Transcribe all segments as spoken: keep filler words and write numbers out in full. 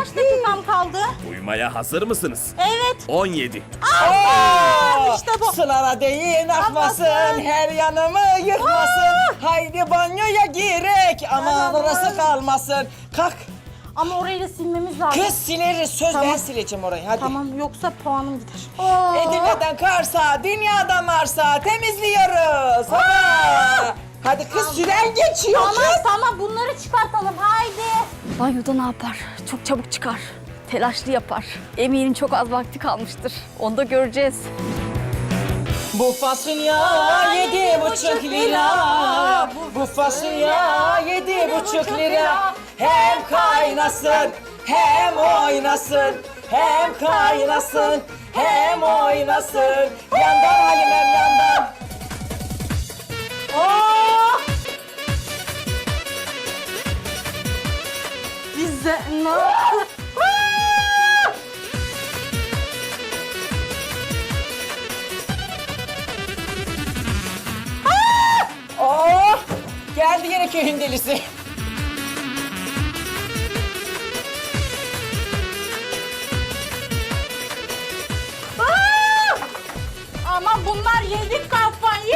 kaç dakikam kaldı? Duymaya hazır mısınız? Evet. on yedi. Aa, işte bu. Sınara değin akmasın, Akmasın. her yanımı yıkmasın. Haydi banyoya girek, aman Aman. orası kalmasın. Kalk. Ama orayı da silmemiz lazım. Kız sileriz, söz Tamam. ben sileceğim orayı, hadi. Tamam, yoksa puanım gider. Aa. Edirne'den Kars'a, dünyadan Mars'a temizliyoruz. Ha. Hadi kız, süren geçiyor Tamam kız. tamam, bunları çıkartalım haydi. Banyoda ne yapar? Çok çabuk çıkar. Telaşlı yapar. Eminim çok az vakti kalmıştır. Onu da göreceğiz. Bu fasulye yedi buçuk lira. Bu fasulye yedi buçuk lira. Hem kaynasın, hem oynasın. Hem kaynasın, hem oynasın. Yandan Halimem yandan. Oh! Bize ne yaptı? Oh! Geldi yine köyün delisi. Aa! Ama bunlar yedi kafayı.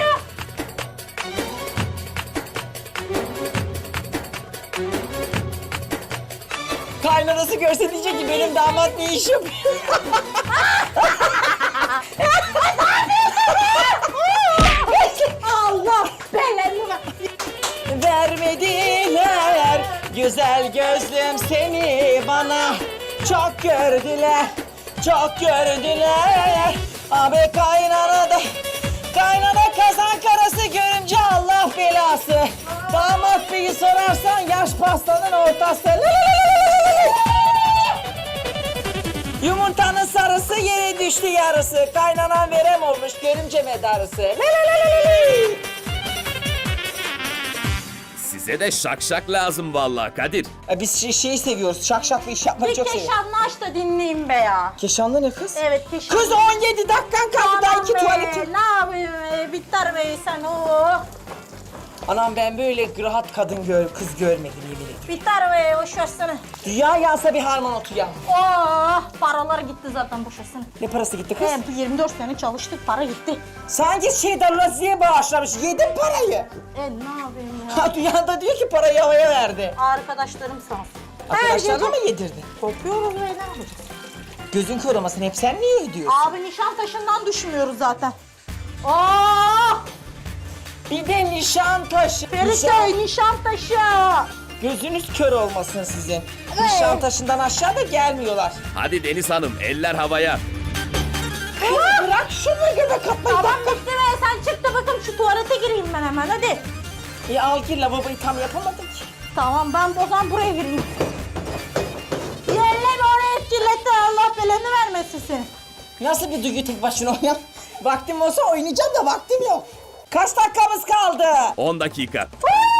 Kaynanası görse diyecek ki benim damat ne iş yapıyor? Allah belanı ver. Vermediler güzel gözlüm seni bana. Çok gördüler, çok gördüler. Abi kaynana da, kaynana kazan karası görümce Allah belası. Damat beyi sorarsan yaş pastanın ortası. Yumurtanın sarısı yere düştü yarısı. Kaynanan verem olmuş görümce medarısı. Size de şak şak lazım vallahi Kadir. E biz şey, şeyi seviyoruz, şak şak bir iş yapmayı Bir çok seviyoruz. keşanlı aç da dinleyeyim be ya. Keşanlı ne kız? Evet keşanlı. Kız on yedi dakikan kaldı daha iki be, tuvaletin. ne yapayım be, bitter be sen o. Anam ben böyle rahat kadın gör, kız görmedim yemin ederim. Bitter be, boş versene. Dünya yansa bir harman otu ya. Oh, paralar gitti zaten, boş versene. Ne parası gitti kız? Hem yirmi dört sene çalıştık, para gitti. Sanki şeyden Lazi'ye bağışlamış, yedin parayı. E ne yapayım ya? Ha dünyada diyor ki parayı havaya verdi. Arkadaşlarım sağ olsun. Arkadaşlarına Her mı yedirdin? kopuyoruz be, ne yapacağız? Gözün kör olmasın, hep sen niye ödüyorsun? Abi Nişantaşı'ndan düşmüyoruz zaten. Oh! Bir de nişan taşı. Nişan- Feriköy, Nişantaşı. Gözünüz kör olmasın sizin. Nişan taşından aşağı da gelmiyorlar. Hadi Deniz Hanım eller havaya. Kız bırak şunu göbek atmayı. Tamam dakika. bitti be, sen çık da bakın şu tuvalete gireyim ben hemen, hadi. E al gir, lavaboyu tam yapamadın ki. Tamam, ben o zaman buraya gireyim. Yerleme oraya kirletti, Allah belanı vermesin seni. Nasıl bir duygu tek başına oynayan? Vaktim olsa oynayacağım da vaktim yok. Kaç dakikamız kaldı? on dakika.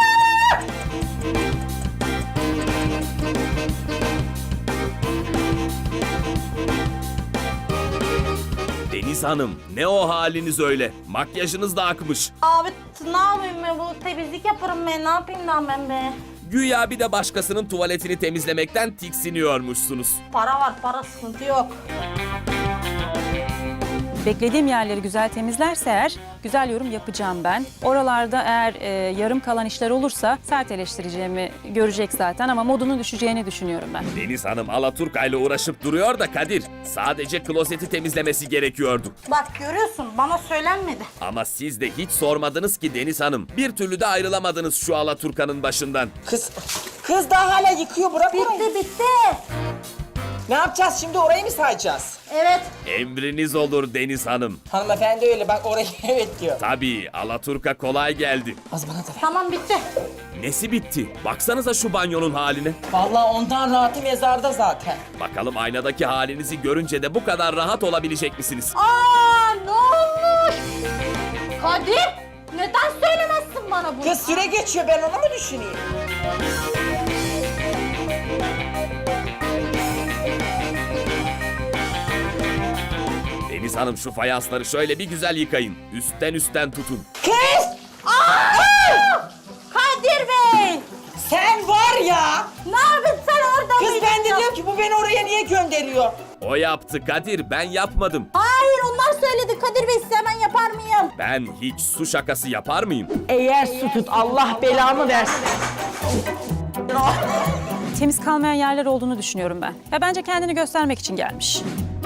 Deniz Hanım ne o haliniz öyle? Makyajınız da akmış. Abi t- ne yapayım ben, bu temizlik yaparım ben, ne yapayım lan ben be. Güya bir de başkasının tuvaletini temizlemekten tiksiniyormuşsunuz. Para var, para, sıkıntı yok. Beklediğim yerleri güzel temizlerse eğer güzel yorum yapacağım ben. Oralarda eğer e, yarım kalan işler olursa sert eleştireceğimi görecek zaten ama modunun düşeceğini düşünüyorum ben. Deniz Hanım Alaturka ile uğraşıp duruyor da Kadir sadece klozeti temizlemesi gerekiyordu. Bak görüyorsun, bana söylenmedi. Ama siz de hiç sormadınız ki Deniz Hanım. Bir türlü de ayrılamadınız şu Alaturka'nın başından. Kız, kız daha hala yıkıyor, bırak orayı. Bitti bitti. Ne yapacağız şimdi, orayı mı sayacağız? Evet. Emriniz olur Deniz Hanım. Hanımefendi öyle bak, orayı evet diyor. Tabii Alaturka kolay geldi. Az bana da ver. Tamam bitti. Nesi bitti? Baksanıza şu banyonun haline. Vallahi ondan rahatı mezarda zaten. Bakalım aynadaki halinizi görünce de bu kadar rahat olabilecek misiniz? Aa ne olmuş? Kadir, neden söylemezsin bana bunu? Kız süre geçiyor, ben onu mu düşüneyim? Deniz Hanım şu fayansları şöyle bir güzel yıkayın. Üstten üstten tutun. Kız! Aa! Kadir Bey! Sen var ya! Ne yapıyorsun sen orada Kız mıydın ben de ya? diyorum ki bu beni oraya niye gönderiyor? O yaptı Kadir, ben yapmadım. Hayır onlar söyledi Kadir Bey size hemen yapar mıyım? Ben hiç su şakası yapar mıyım? Eğer su tut Allah belamı versin. Temiz kalmayan yerler olduğunu düşünüyorum ben. Ya bence kendini göstermek için gelmiş.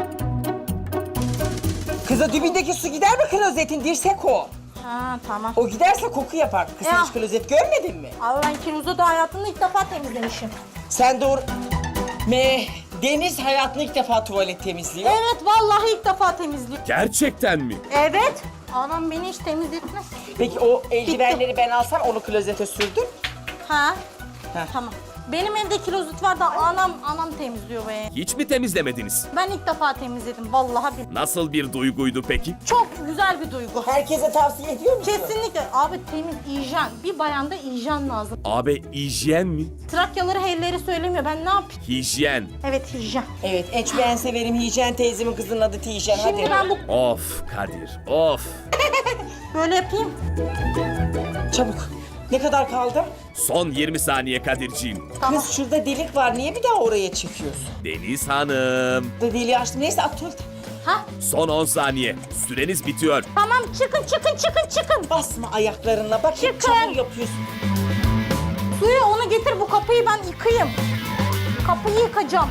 Kıza dibindeki su gider mi klozetin? Dirsek o. Ha tamam. O giderse koku yapar. Kız sen Ya. hiç klozet görmedin mi? Abi ben kilozu da hayatımda ilk defa temizlemişim. Sen doğru... Me, Deniz hayatında ilk defa tuvalet temizliyor. Evet vallahi ilk defa temizliyorum. Gerçekten mi? Evet. Anam beni hiç temizletmez. Peki o eldivenleri ben alsam onu klozete sürdün. Ha? Heh. Tamam. Benim evde klozet var da anam anam temizliyor be. Hiç mi temizlemediniz? Ben ilk defa temizledim vallahi bir. Nasıl bir duyguydu peki? Çok güzel bir duygu. Herkese tavsiye ediyor musun? Kesinlikle. Abi temiz hijyen. Bir bayanda hijyen lazım. Abi hijyen mi? Trakyaları helleri söylemiyor. Ben ne yapayım? Hijyen. Evet hijyen. Evet, en çok en severim Hicen teyzemin kızının adı Tijen. Şimdi Hadi. ben bu Of Kadir, of. böyle yapayım. Çabuk. Ne kadar kaldı? Son yirmi saniye Kadirciğim. Tamam. Kız şurada delik var. Niye bir daha oraya çıkıyorsun? Deniz Hanım. Burada deliği açtım. Neyse at tuvalete. Ha? Son on saniye. Süreniz bitiyor. Tamam çıkın çıkın çıkın çıkın. Basma ayaklarınla. Bak hep Çıkın. çamur yapıyorsun. Suyu onu getir bu kapıyı ben yıkayayım. Kapıyı yıkacağım.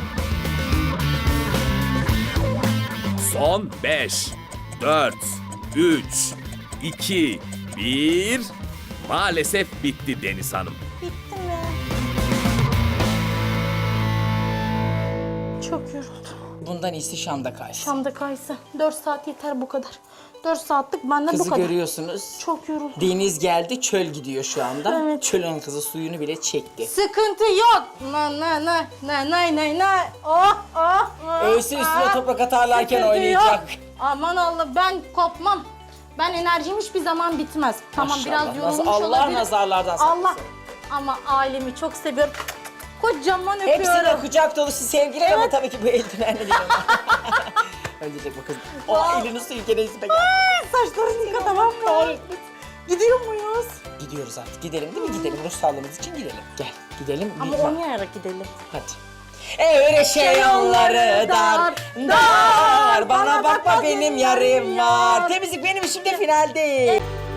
Son beş, dört, üç, iki, bir. Maalesef bitti Deniz Hanım. Bitti mi? Çok yoruldum. Bundan iyisi Şam'da kaysın. Şam'da kaysa. Dört saat yeter bu kadar. Dört saatlik benden bu Kızı kadar. görüyorsunuz. Çok yoruldum. Deniz geldi, çöl gidiyor şu anda. Evet. Çölün kızı suyunu bile çekti. Sıkıntı yok. Na na na na na na na. Oh oh. oh, Ölsün üstüne ah. toprak atarlarken Sıkıntı oynayacak. yok. Aman Allah ben kopmam. Ben enerjim hiçbir zaman bitmez. Tamam Maşallah, biraz yorulmuş naz- Allah olabilirim. nazarlardan saklasın. Allah. Ama ailemi çok seviyorum. Kocaman öpüyorum. Hepsine kucak dolusu sevgiler ama Evet. tabii ki bu eldivenle değil ama. Ölecek bu kız. O elini suyu gene yüzüme geldi. Saçlarını yıka tamam mı? Gidiyor muyuz? Gidiyoruz artık. Gidelim değil mi? Gidelim. Ruh sağlığımız için gidelim. Gel. Gidelim. Ama Bir- oynayarak gidelim. Hadi. Öyle şey yolları dar, dar. Bana bakma benim yarım var. Temizlik benim işimde final değil.